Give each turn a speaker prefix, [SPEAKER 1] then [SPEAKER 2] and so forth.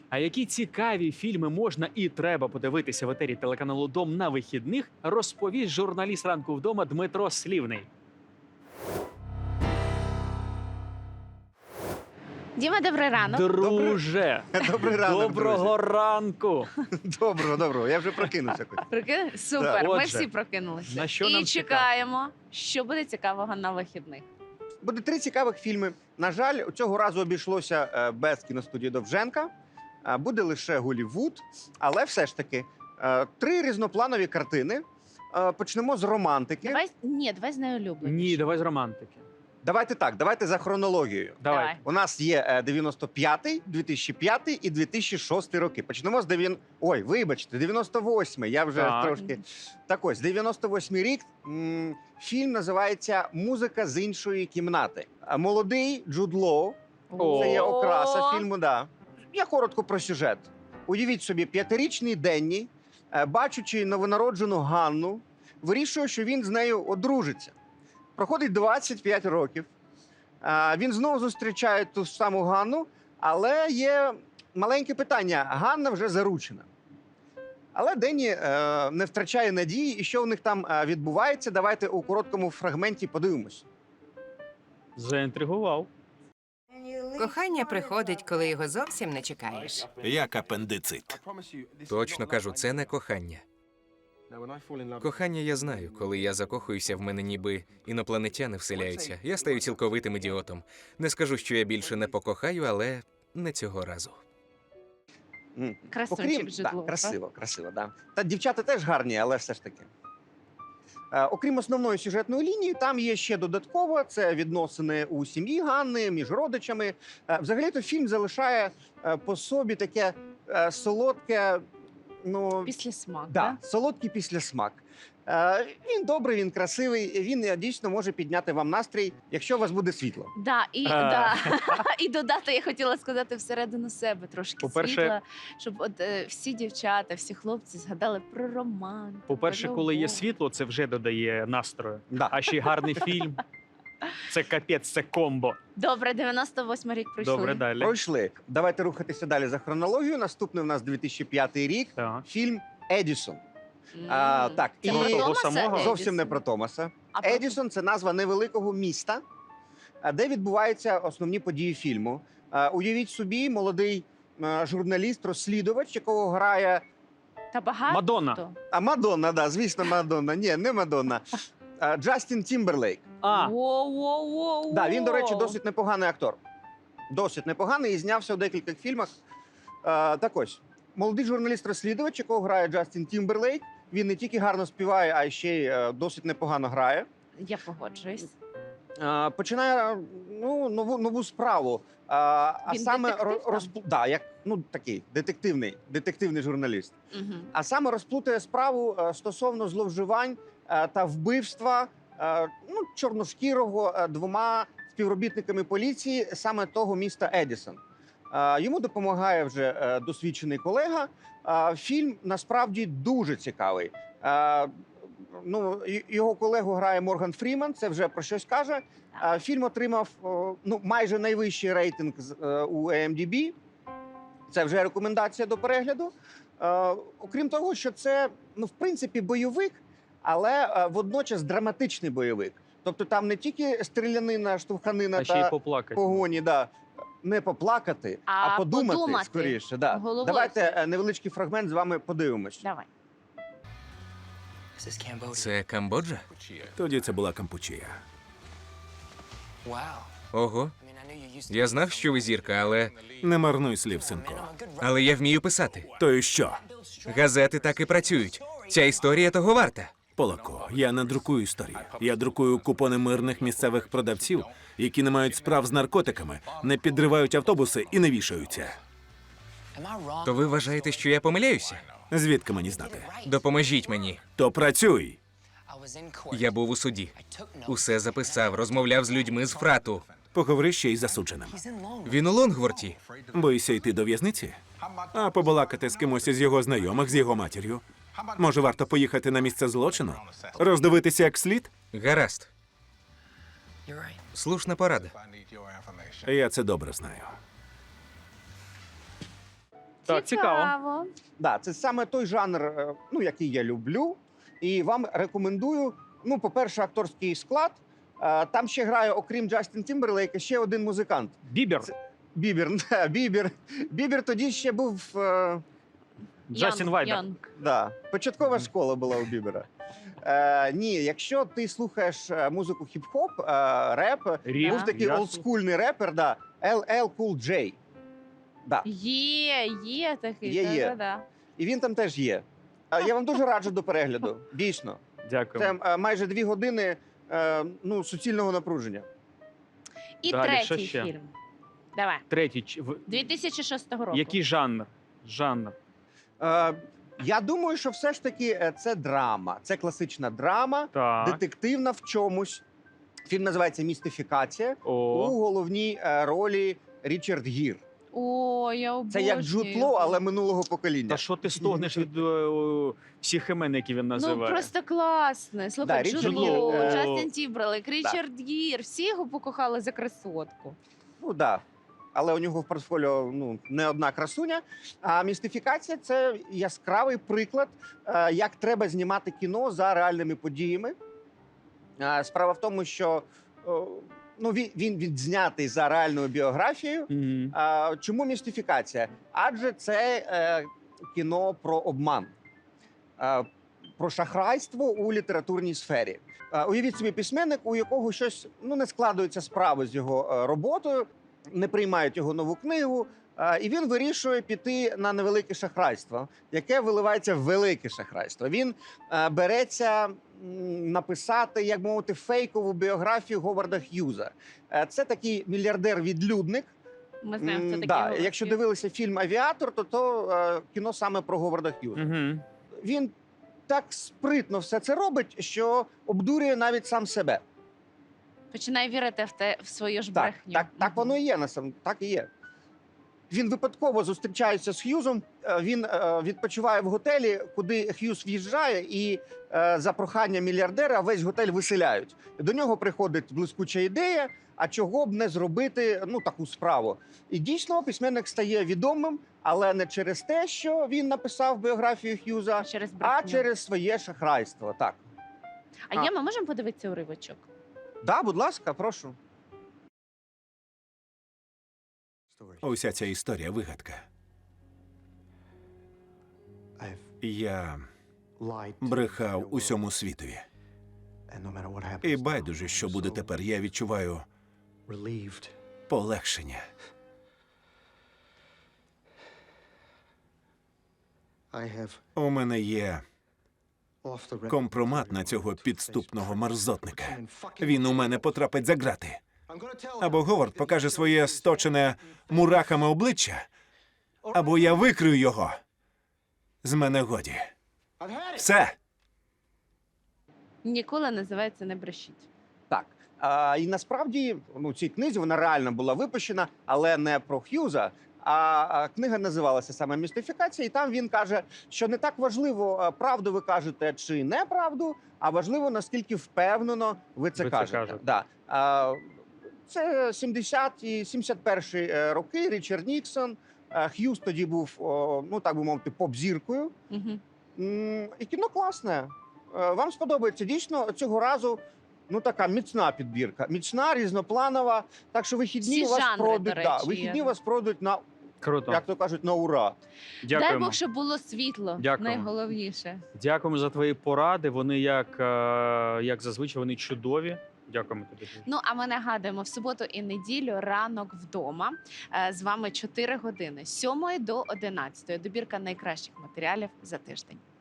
[SPEAKER 1] А які цікаві фільми можна і треба подивитися в етері телеканалу «Дом» на вихідних, розповість журналіст «Ранку вдома» Дмитро Слівний.
[SPEAKER 2] Діма, добрий ранок.
[SPEAKER 1] Друже,
[SPEAKER 3] Добрий ранок,
[SPEAKER 1] доброго ранку.
[SPEAKER 3] Доброго. Я вже прокинувся.
[SPEAKER 2] Супер, ми
[SPEAKER 1] Отже,
[SPEAKER 2] всі прокинулися.
[SPEAKER 1] на що
[SPEAKER 2] І
[SPEAKER 1] нам
[SPEAKER 2] чекаємо, що буде цікавого на вихідних.
[SPEAKER 3] Буде 3 цікавих фільми. На жаль, цього разу обійшлося без кіностудії Довженка. Буде лише Голлівуд, але все ж таки 3 різнопланові картини. Почнемо з романтики.
[SPEAKER 2] Давай з найулюбленішим.
[SPEAKER 1] Ні, давай з романтики.
[SPEAKER 3] Давайте так, давайте за хронологією.
[SPEAKER 1] Давай.
[SPEAKER 3] У нас є 95-й, 2005-й і 2006 роки. Почнемо з 98-й, я вже
[SPEAKER 1] Так.
[SPEAKER 3] трошки... Так ось, 98-й рік, фільм називається «Музика з іншої кімнати». Молодий Джуд Лоу, це є окраса фільму, да. Я коротко про сюжет. Уявіть собі, 5-річний Денні, бачучи новонароджену Ганну, вирішує, що він з нею одружиться. Проходить 25 років. Він знову зустрічає ту саму Ганну, але є маленьке питання. Ганна вже заручена. Але Денні не втрачає надії, і що в них там відбувається, давайте у короткому фрагменті подивимось.
[SPEAKER 1] Заінтригував.
[SPEAKER 4] Кохання приходить, коли його зовсім не чекаєш.
[SPEAKER 5] Як апендицит.
[SPEAKER 6] Точно кажу, це не кохання. Кохання я знаю. Коли я закохуюся, в мене ніби інопланетяни вселяються. Я стаю цілковитим ідіотом. Не скажу, що я більше не покохаю, але не цього разу.
[SPEAKER 2] Красунчик Джуд
[SPEAKER 3] да,
[SPEAKER 2] Лоу,
[SPEAKER 3] красиво, да. Та дівчата теж гарні, але все ж таки. Окрім основної сюжетної лінії, там є ще додатково, це відносини у сім'ї Ганни, між родичами. Взагалі-то фільм залишає по собі таке солодке,
[SPEAKER 2] Післясмак,
[SPEAKER 3] да, солодкий післясмак. Він добрий, він красивий, він дійсно може підняти вам настрій, якщо у вас буде світло.
[SPEAKER 2] Да, і додати, я хотіла сказати, всередину себе трошки
[SPEAKER 1] По-перше-
[SPEAKER 2] світла, щоб всі дівчата, всі хлопці згадали про романтику.
[SPEAKER 1] По-перше,
[SPEAKER 2] про
[SPEAKER 1] коли є
[SPEAKER 2] любов.
[SPEAKER 1] світло, це вже додає настрою.
[SPEAKER 3] Да.
[SPEAKER 1] А ще й гарний фільм. Це капець, це комбо.
[SPEAKER 2] Добре, 98 рік пройшли.
[SPEAKER 1] Добре, далі.
[SPEAKER 3] Пройшли. Давайте рухатися далі за хронологією. Наступний у нас 2005 рік,
[SPEAKER 1] Так.
[SPEAKER 3] фільм «Едісон».
[SPEAKER 2] М.
[SPEAKER 3] Так,
[SPEAKER 2] Це
[SPEAKER 3] і
[SPEAKER 2] про
[SPEAKER 1] того
[SPEAKER 2] Томаса
[SPEAKER 1] самого?
[SPEAKER 2] Едісона?
[SPEAKER 3] зовсім не про Томаса.
[SPEAKER 2] А про-
[SPEAKER 3] Едісон – це назва невеликого міста, де відбуваються основні події фільму. Уявіть собі, молодий журналіст-розслідувач, якого грає
[SPEAKER 2] Та багато.
[SPEAKER 1] Мадонна.
[SPEAKER 3] Мадонна, да, звісно, Мадонна. Ні, не Мадонна. Джастін Тімберлейк.
[SPEAKER 2] Воу-воу-воу.
[SPEAKER 3] Да, він, до речі, досить непоганий актор. Досить непоганий і знявся у декількох фільмах. Так ось, молодий журналіст-розслідувач, якого грає Джастін Тімберлейк. Він не тільки гарно співає, а ще й досить непогано грає.
[SPEAKER 2] Я погоджуюсь.
[SPEAKER 3] Починає нову справу. А
[SPEAKER 2] Він
[SPEAKER 3] саме
[SPEAKER 2] детектив там?
[SPEAKER 3] як такий детективний журналіст.
[SPEAKER 2] Угу.
[SPEAKER 3] А саме розплутає справу стосовно зловживань та вбивства чорношкірого 2 співробітниками поліції саме того міста Едісон. Йому допомагає вже досвідчений колега. Фільм насправді дуже цікавий. Його колегу грає Морган Фріман, це вже про щось каже. Фільм отримав майже найвищий рейтинг у IMDb. Це вже рекомендація до перегляду. Окрім того, що це, в принципі, бойовик, але водночас драматичний бойовик. Тобто там не тільки стрілянина, штовханина
[SPEAKER 1] А ще й
[SPEAKER 3] та
[SPEAKER 1] поплакати.
[SPEAKER 3] погоні, не поплакати, а подумати скоріше. Да.
[SPEAKER 2] Головою.
[SPEAKER 3] Давайте невеличкий фрагмент з вами подивимось.
[SPEAKER 2] Давай.
[SPEAKER 6] Це Камбоджа?
[SPEAKER 5] Тоді це була Кампучія.
[SPEAKER 6] Ого. Я знав, що ви зірка,
[SPEAKER 5] Не марнуй слів, синку.
[SPEAKER 6] але я вмію писати.
[SPEAKER 5] То і що?
[SPEAKER 6] Газети так і працюють. Ця історія того варта.
[SPEAKER 5] Полако, я не друкую історії. Я друкую купони мирних місцевих продавців, які не мають справ з наркотиками, не підривають автобуси і не вішаються.
[SPEAKER 6] То ви вважаєте, що я помиляюся?
[SPEAKER 5] Звідки мені знати?
[SPEAKER 6] Допоможіть мені.
[SPEAKER 5] То працюй!
[SPEAKER 6] Я був у суді. Усе записав, розмовляв з людьми з фрату.
[SPEAKER 5] Поговори ще й з засудженим.
[SPEAKER 6] Він у Лонгворті.
[SPEAKER 5] Боїся йти до в'язниці? А побалакати з кимось із його знайомих, з його матір'ю? Може, варто поїхати на місце злочину? Роздивитися як слід?
[SPEAKER 6] Гаразд. Слушна порада.
[SPEAKER 5] Я це добре знаю.
[SPEAKER 1] Так, цікаво.
[SPEAKER 3] Да, це саме той жанр, ну, який я люблю. І вам рекомендую, ну, по-перше, акторський склад. Там ще грає, окрім Джастін Тімберлейка, ще один музикант.
[SPEAKER 1] Бібер.
[SPEAKER 3] Бібер. Бібер тоді ще був.
[SPEAKER 1] Джастін Вайбер.
[SPEAKER 2] Янг.
[SPEAKER 3] Да, початкова школа була у Бібера. Ні, якщо ти слухаєш музику хіп-хоп, реп,
[SPEAKER 1] Ріп.
[SPEAKER 3] був такий
[SPEAKER 1] Я
[SPEAKER 3] олдскульний репер, да, LL Cool J. Да.
[SPEAKER 2] Є такий.
[SPEAKER 3] Є.
[SPEAKER 2] Да-да-да.
[SPEAKER 3] І він там теж є. Я вам дуже раджу до перегляду. Дійсно.
[SPEAKER 1] Дякую.
[SPEAKER 3] Це майже 2 години ну, суцільного напруження.
[SPEAKER 2] І
[SPEAKER 1] Далі, що
[SPEAKER 2] третій
[SPEAKER 1] ще?
[SPEAKER 2] фільм. Давай.
[SPEAKER 1] Третій.
[SPEAKER 2] 2006 року.
[SPEAKER 1] Який жанр? Жанр.
[SPEAKER 3] Я думаю, що все ж таки це драма. Це класична драма,
[SPEAKER 1] Так.
[SPEAKER 3] детективна в чомусь. Фільм називається «Містифікація». У
[SPEAKER 1] О.
[SPEAKER 3] головній ролі Річард Гір.
[SPEAKER 2] О, я обожнюю.
[SPEAKER 3] Це як Джуд Лоу, але минулого покоління.
[SPEAKER 1] Та що ти стогнеш від всіх імен, які він
[SPEAKER 2] Ну,
[SPEAKER 1] називає?
[SPEAKER 2] просто класне.
[SPEAKER 3] Да,
[SPEAKER 2] Слухай, Джуд
[SPEAKER 3] Річард
[SPEAKER 2] Лоу,
[SPEAKER 1] Гір,
[SPEAKER 2] Джастін Тімберлейк, Річард Гір. Всі його покохали за красотку.
[SPEAKER 3] Ну да. Але у нього в портфоліо ну, не одна красуня. А «Містифікація» – це яскравий приклад, як треба знімати кіно за реальними подіями. Справа в тому, що ну, він відзнятий за реальною біографією.
[SPEAKER 1] Мгм.
[SPEAKER 3] Чому «Містифікація»? Адже це кіно про обман, про шахрайство у літературній сфері. Уявіть собі письменник, у якого щось ну, не складуються справи з його роботою, не приймають його нову книгу, і він вирішує піти на невелике шахрайство, яке виливається в велике шахрайство. Він береться написати, як мовити, фейкову біографію Говарда Х'юза. Це такий мільярдер-відлюдник.
[SPEAKER 2] Ми знаємо, хто такий.
[SPEAKER 3] Да,
[SPEAKER 2] Говард
[SPEAKER 3] якщо
[SPEAKER 2] Х'юз.
[SPEAKER 3] дивилися фільм «Авіатор», то кіно саме про Говарда Х'юза.
[SPEAKER 1] Мгм.
[SPEAKER 3] Він так спритно все це робить, що обдурює навіть сам себе.
[SPEAKER 2] Починає вірити в свою ж
[SPEAKER 3] Так,
[SPEAKER 2] брехню.
[SPEAKER 3] так воно і є, так і є. Він випадково зустрічається з Х'юзом, він відпочиває в готелі, куди Х'юз в'їжджає, і за прохання мільярдера весь готель виселяють. До нього приходить блискуча ідея, а чого б не зробити ну, таку справу. І дійсно письменник стає відомим, але не через те, що він написав біографію Х'юза,
[SPEAKER 2] Через
[SPEAKER 3] а
[SPEAKER 2] брехню.
[SPEAKER 3] через своє шахрайство. Так.
[SPEAKER 2] А є, ми можемо подивитися уривочок?
[SPEAKER 3] Да, будь ласка, прошу.
[SPEAKER 5] Уся ця історія вигадка. Я брехав усьому світові. І байдуже, що буде тепер, я відчуваю полегшення. У мене є компромат на цього підступного мерзотника. Він у мене потрапить за ґрати. Або Говард покаже своє сточене мурахами обличчя, або я викрию його. З мене годі. Все.
[SPEAKER 2] Ніколи називається «Не брешіть».
[SPEAKER 3] Так. І насправді ну, цій книзі вона реально була випущена, але не про Х'юза. А книга називалася саме «Містифікація», і там він каже, що не так важливо, правду ви кажете чи неправду, а важливо, наскільки впевнено ви це кажете. Да. Це 70-ті, 71-й роки, Річард Ніксон. Х'юз тоді був, ну так би мовити, поп-зіркою.
[SPEAKER 2] Угу.
[SPEAKER 3] І кіно класне. Вам сподобається. Дійсно, цього разу ну така міцна підбірка. Міцна, різнопланова. Так що вихідні
[SPEAKER 2] Всі
[SPEAKER 3] вас
[SPEAKER 2] жанри,
[SPEAKER 3] пройдуть,
[SPEAKER 2] до
[SPEAKER 3] да,
[SPEAKER 2] речі,
[SPEAKER 3] вихідні
[SPEAKER 2] є.
[SPEAKER 3] вас пройдуть на,
[SPEAKER 1] Круто.
[SPEAKER 3] як то кажуть, на ура.
[SPEAKER 2] Дай
[SPEAKER 1] Дякуємо.
[SPEAKER 2] Бог, щоб було світло.
[SPEAKER 1] Дякуємо.
[SPEAKER 2] Найголовніше.
[SPEAKER 1] Дякуємо за твої поради. Вони як зазвичай, вони чудові. Дякуємо тобі.
[SPEAKER 2] Ну, а ми нагадуємо, в суботу і неділю ранок вдома. З вами 4 години, з 7 до 11. Добірка найкращих матеріалів за тиждень.